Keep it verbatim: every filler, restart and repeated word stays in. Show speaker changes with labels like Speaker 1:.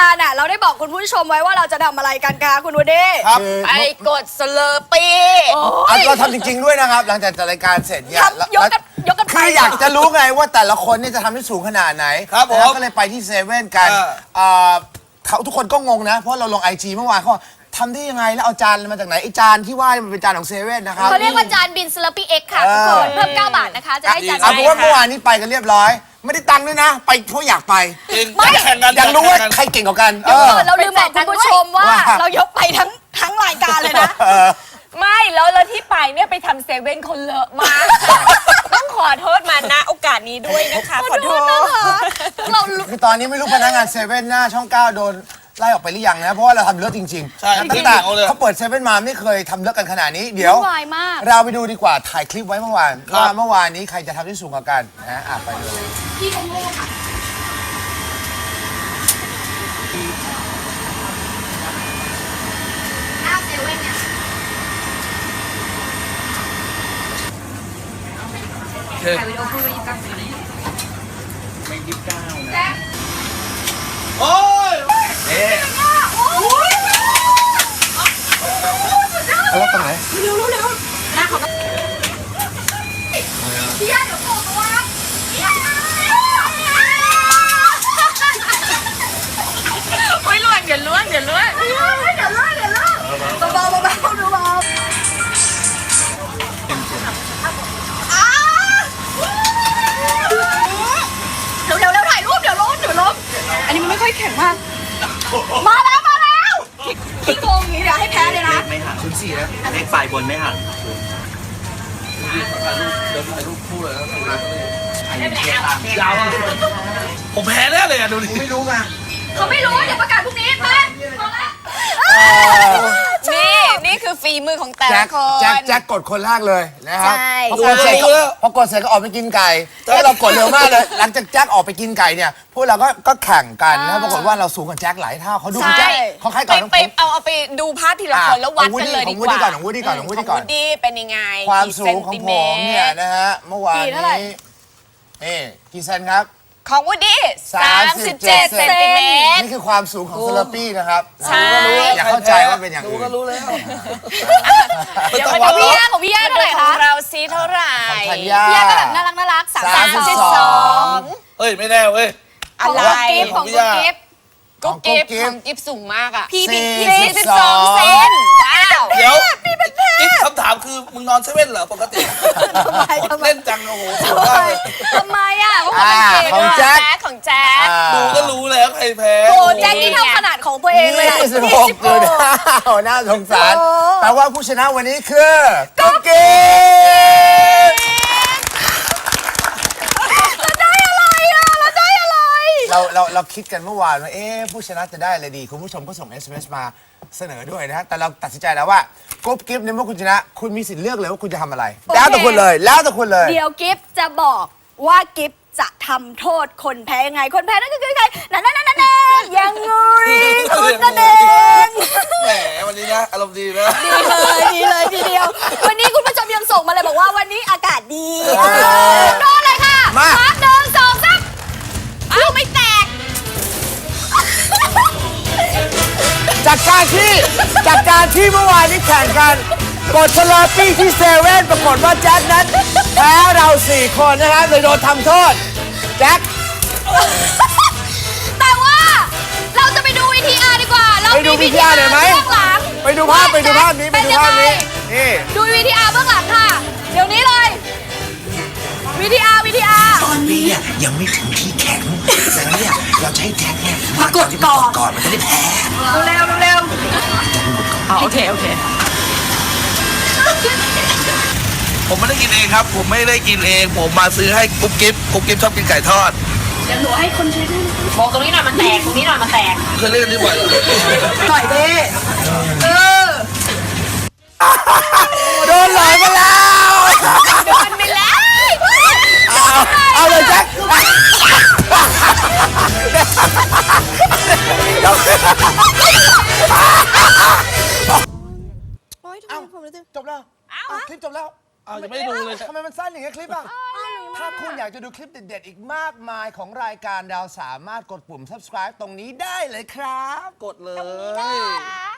Speaker 1: การอ่ะเราได้บอกคุณผู้ชมไว้ว่าเราจะทำอะไรกันคะคุณวูดดี้
Speaker 2: ครับ
Speaker 3: ไอ้กดสเลอร์ปี
Speaker 2: เราทำจริงๆด้วยนะครับ หลังจากจัดรายการเสร็จเนี่ย
Speaker 1: ทำยกกันยกกันไป
Speaker 2: คืออยากจะรู้ไงว่าแต่ละคนเนี่ยจะทำได้สูงขนาดไหน
Speaker 4: ครับผม
Speaker 2: แล้วก็เลยไปที่เซเว่นกัน
Speaker 4: เออ
Speaker 2: เอ่อเขาทุกคนก็งงนะ เพราะเราลงไอจีเมื่อวานเขาบอกทำได้ยังไงแล้วเอาจานมาจากไหนไอจานที่ว่ามันเป็นจานของเซเว่นนะครับ
Speaker 1: เขาเรียกว่าจานบินสลับปี้เอ็กค่ะทุกคนเพิ่มเก้าบาทนะคะจะได้จาน
Speaker 2: เอาเป็นว่าเมื่อวานนี้ไปกันเรียบร้อย ไม่ได้ตังค์ด้วยนะ ไปเพราะอยากไป
Speaker 4: จริงแข่งกัน
Speaker 2: อยากรู้ว่า
Speaker 4: แข่งกัน
Speaker 2: ใครเก่งกว่ากัน
Speaker 1: เดี๋ยวก่อน
Speaker 2: เออ
Speaker 1: เราลืมบอกคุณผู้ชมว่า
Speaker 2: ว่า
Speaker 1: เรายกไปทั้งทั้งรายการเลยนะ
Speaker 3: ไม่แล้วแล้วที่ไปเนี่ยไปทำเซเว่นคนเลอะมากต้องขอโทษมาณโอกาสนี้ด้วยนะคะ ขอโทษ
Speaker 1: เรา
Speaker 2: คือตอนนี้ไม่รู้พนักงานเซเว่นหน้าช่องเก้าโดนไล่ออกไปหรือยังนะ เพราะว่าเราทำเลิศจริงๆ
Speaker 4: ใช่ครับ
Speaker 2: ตั้งแต่
Speaker 4: เอาเลย
Speaker 2: เขาเปิดเซเว่นมาไม่เคยทำเลิศกันขนาดนี้เดี๋ยว
Speaker 1: วุ่นวายมาก
Speaker 2: เราไปดูดีกว่าถ่ายคลิปไว้เมื่อวาน
Speaker 4: ครับ
Speaker 2: ว่าเมื่อวานนี้ใครจะทำได้สูงกว่ากันนะอ่ะไปดู
Speaker 1: พี่โมโม่ค่ะหน้าเซเว่นเนี่ย
Speaker 4: โอเค
Speaker 1: ถ่ายวิดีโอพูดไปยิบกัน
Speaker 4: โอ้ย
Speaker 2: เอาแล้วตรงไหน
Speaker 1: เร็วเร็วหน้าเขาพี่ย่าเดี๋ยวโผล่ตัวพี่ย่า
Speaker 3: โอ้ยล่วงเดี๋ยวล่วงเดี๋ยวล่วง
Speaker 1: เดี๋ยวเดี๋ยวเดี๋ยวเบาๆเบาๆดูเบาเร็วเร็วเร็วถ่ายรูปเดี๋ยวล้มเดี๋ยวล้มอันนี้มันไม่ค่อยแข็งมากมาแล้วมาแล้วพี่โกงอย่างนี้เดี๋ยวให้แพ้เลยนะ
Speaker 5: ไม่หักชุดสี่นะเลขฝ่ายบนไม่หัก
Speaker 4: ยาวอะผมแพ้แน่เลยอ่ะดูดิ
Speaker 2: ไม่รู้ไง
Speaker 1: เขาไม่รู้เดี๋ยวประกาศพรุ่งนี้มาพอละ
Speaker 3: นี่นี่คือฝีมือของแต่
Speaker 2: แจ็
Speaker 3: ละ
Speaker 2: ค
Speaker 3: คน
Speaker 2: แจ็คแจ็คกดคนแรกเลยนะครับ
Speaker 3: ใช่
Speaker 2: พอกดเสร็จก็พอกดเสร็จก็ออกไปกินไก่แล้วเรากดเร็วมากเลย หลังจากแจ็คออกไปกินไก่เนี่ยพวกเราก็ก็แข่งกันนะปรากฏว่าเราสูงกว่าแจ็คหลายเท่าเขาดูคุณแจ็คเขาคล้าย
Speaker 3: ไป
Speaker 2: กับน้อง
Speaker 3: ไป
Speaker 2: ผม
Speaker 3: เอาเอาไปดูภาพทีละคนแล้ววัดกันเลยดี
Speaker 2: ของวู
Speaker 3: ก
Speaker 2: ดดี้
Speaker 3: ว่า
Speaker 2: ของวูดดี้ก่อนของวูดดี้ก่อนของวูดดี้ก่อน
Speaker 3: วูดดี้เป็นยังไง
Speaker 2: ความ
Speaker 3: กี่
Speaker 2: สูงของผมเนี่ยนะฮะเมื่อวานนี้นี่กี่เซนครับ
Speaker 3: ของวูดดี้สามสิบเจ็ดเซนติเมตร
Speaker 2: นี่คือความสูงของเซเลปี้นะครับ
Speaker 3: ใช่
Speaker 2: อย่าเข้าใจว่าเป็นอย่าง
Speaker 4: ดู
Speaker 2: อื่น
Speaker 4: ก็รู้แล้ว
Speaker 3: เดี๋ยว
Speaker 1: ข
Speaker 3: มา
Speaker 1: อง
Speaker 3: ดู
Speaker 1: พี่ย่าของพี่ย่าเท่าไหร่
Speaker 3: ข
Speaker 1: คะ
Speaker 3: องเราซีเท่าไหร่
Speaker 2: ธัญญา
Speaker 1: พี่ย่าก็แบบน่ารักน่ารักสาม
Speaker 2: สามสิบสอง
Speaker 4: เฮ้ย ไม่แน่เว้ย
Speaker 1: ของ
Speaker 3: อะไร
Speaker 1: กุ๊กกิ๊บของกุ๊กกิ๊บ
Speaker 3: กุ๊กกิ๊บ
Speaker 2: ของกุ๊กกิ๊
Speaker 3: ข
Speaker 2: บ
Speaker 3: องกิ๊บสูงมากอ่ะ
Speaker 1: พี่บิ๊ก
Speaker 2: สี่
Speaker 1: พี่
Speaker 2: สิ
Speaker 1: บิ๊
Speaker 2: บ
Speaker 1: ก
Speaker 2: สอง
Speaker 3: เซนว้าว
Speaker 4: เดี๋ยวกิ๊กคำถามคือ มึงนอนเซเว่นเหรอ ปกติ
Speaker 1: ทำไมทำไม
Speaker 4: เล่นจัง โอ้โหสูง
Speaker 1: ทำไม
Speaker 4: มากเลย
Speaker 1: ทำไมอ่ะเพราะ
Speaker 2: อ่า
Speaker 1: เขาเป็นเกย์
Speaker 2: ของ
Speaker 1: ด้วย
Speaker 2: แจ็ค
Speaker 3: ของแจ๊ค
Speaker 2: อ่า
Speaker 4: ดูก็รู้แล้วใครแพ้
Speaker 1: โอ้แจ็คนี่เท่าขนาดของตัวเองเลยอะ
Speaker 2: ยี่สิบหกจุดห้าน่าสงสาร
Speaker 1: โอ้
Speaker 2: แปลว่าผู้ชนะวันนี้คือกุ๊กกิ๊บ
Speaker 1: เราได้อะไรอ่ะเราได้อะไร
Speaker 2: เราเราเราคิดกันเมื่อวานว่าเอ๊ะผู้ชนะจะได้อะไรดี คุณผู้ชมก็ส่ง เอส เอ็ม เอส มาเสนอด้วยนะฮะแต่เราตัดสินใจแล้วว่ากุ๊กกิ๊บในเมื่อคุณชนะ คุณมีสิทธิ์เลือกเลยว่าคุณจะทำอะไร
Speaker 1: โอเค
Speaker 2: แล้วแต่คุณเลยแล้วแต่คุณเลย
Speaker 1: เดี๋ยวกิฟจะบอกว่ากิฟจะทำโทษคนแพ้ยังไง คนแพ้นั่นก็คือใครนั่นนั่นนั่นนั่นยังไงคุณนั่นเอง
Speaker 4: แหมวันนี้นะ อารมณ์ดีนะ
Speaker 1: ดีเลยดีเลยทีเดียว วันนี้คุณผู้ชมยังส่งมาเลยบอกว่าวันนี้อากาศดีโดนเลยค่ะ
Speaker 2: มา
Speaker 1: นับหนึ่งสองสามลูกไม่แตก
Speaker 2: จากการที่จากการที่เมื่อวานนี้แข่งกันกดสลอปี้ที่เซเว่นปรากฏว่าแจ็คนั้นแพ้เราสี่คนนะครับเลยโดนทำโทษแจ็ค
Speaker 1: แต่ว่าเราจะไปดูวีทีอาร์ดีกว่า เรา
Speaker 2: ไปดู
Speaker 1: มี
Speaker 2: วีทีอาร์หน่อยไหม
Speaker 1: เบื้องหลัง
Speaker 2: ไปดูภาพไปดูภาพนี้ไปดูภาพนี้นี่
Speaker 1: ดูวีทีอาร์เบื้องหลังค่ะ เดี๋ยวนี้เลยวีทีอาร์วีทีอาร์
Speaker 5: ตอนนี้เนี่ยยังไม่ถึงที่แข็งแต่เนี่ยเราจะให้แจ็คเนี่ย
Speaker 1: มากดก่อน
Speaker 5: ก่อนมันจะได้แพ้
Speaker 1: เร็วเร็ว
Speaker 3: โอเคโอเค
Speaker 4: ผมไม่ได้กินเองครับ ผมไม่ได้กินเอง ผมมาซื้อให้กุ๊บกิ๊บกุ๊บกิ๊บชอบกินไก่ทอด
Speaker 1: เดี๋ยวหนูให้คนใช้ด้วย
Speaker 3: บอกตรงนี้หน่อยมันแตกตรงนี้หน่อยมันแตก
Speaker 4: เคยเล่นกันดีกว่า
Speaker 1: หน่อยดิเออ
Speaker 2: โดนหลอยมาแล้ว
Speaker 1: โดนไปแล้ว
Speaker 2: เอาเอาเลยแจ็ค
Speaker 1: โอ๊ยทำไมผมรู้สึก
Speaker 2: จบแล้วคลิปจบแล้ว
Speaker 4: อ้าวยังไม่ได้ดูเลย
Speaker 2: ทำไมมันสั้นอย่างเงี้ยคลิปอ่ะ
Speaker 1: ไม่รู้
Speaker 2: ถ้าคุณอยากจะดูคลิปเด็ดๆ อีกมากมายของรายการเราสามารถกดปุ่ม subscribe ตรงนี้ได้เลยครับ
Speaker 4: กดเล
Speaker 3: นี่
Speaker 4: ย
Speaker 3: นะคะ